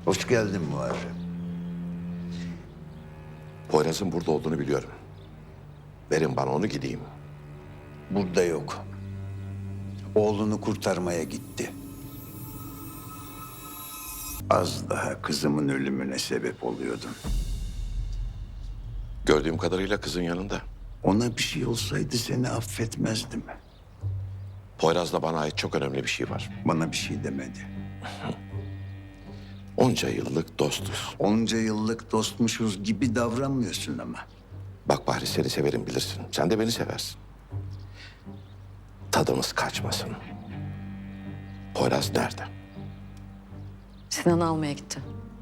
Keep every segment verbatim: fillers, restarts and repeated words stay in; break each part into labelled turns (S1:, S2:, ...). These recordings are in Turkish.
S1: Hoş geldin Muharrem.
S2: Poyraz'ın burada olduğunu biliyorum. Verin bana onu gideyim.
S1: Burada yok. Oğlunu kurtarmaya gitti. Az daha kızımın ölümüne sebep oluyordun.
S2: Gördüğüm kadarıyla kızın yanında.
S1: Ona bir şey olsaydı seni affetmezdim.
S2: Poyraz'la bana ait çok önemli bir şey var.
S1: Bana bir şey demedi.
S2: Onca yıllık dostuz.
S1: Onca yıllık dostmuşuz gibi davranmıyorsun ama.
S2: Bak Bahri, seni severim bilirsin. Sen de beni seversin. Tadımız kaçmasın. Poyraz nerede?
S3: Sinan'ı almaya gitti.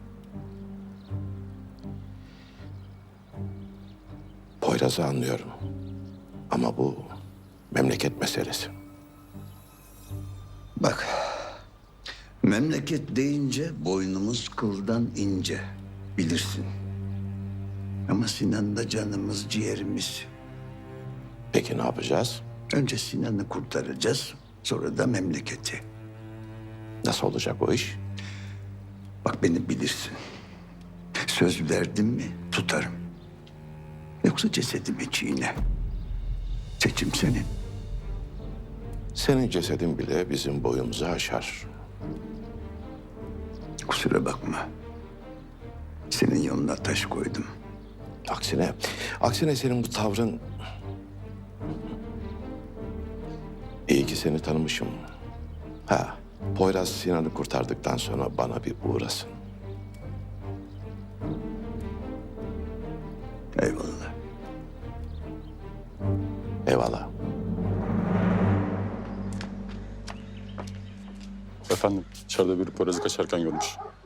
S2: Poyraz'ı anlıyorum. Ama bu memleket meselesi.
S1: Bak, memleket deyince boynumuz kıldan ince, bilirsin. Ama Sinan da canımız, ciğerimiz.
S2: Peki ne yapacağız?
S1: Önce Sinan'ı kurtaracağız, sonra da memleketi.
S2: Nasıl olacak o iş?
S1: Bak beni bilirsin. Söz verdim mi tutarım. Yoksa cesedimi çiğne. Seçim senin.
S2: Senin cesedin bile bizim boyumuzu aşar.
S1: Kusura bakma. Senin yoluna taş koydum.
S2: Aksine, aksine senin bu tavrın... İyi ki seni tanımışım. Ha, Poyraz Sinan'ı kurtardıktan sonra bana bir uğrasın.
S1: Eyvallah.
S2: Eyvallah.
S4: Efendim, içeride biri Poyraz'ı kaçarken görmüş.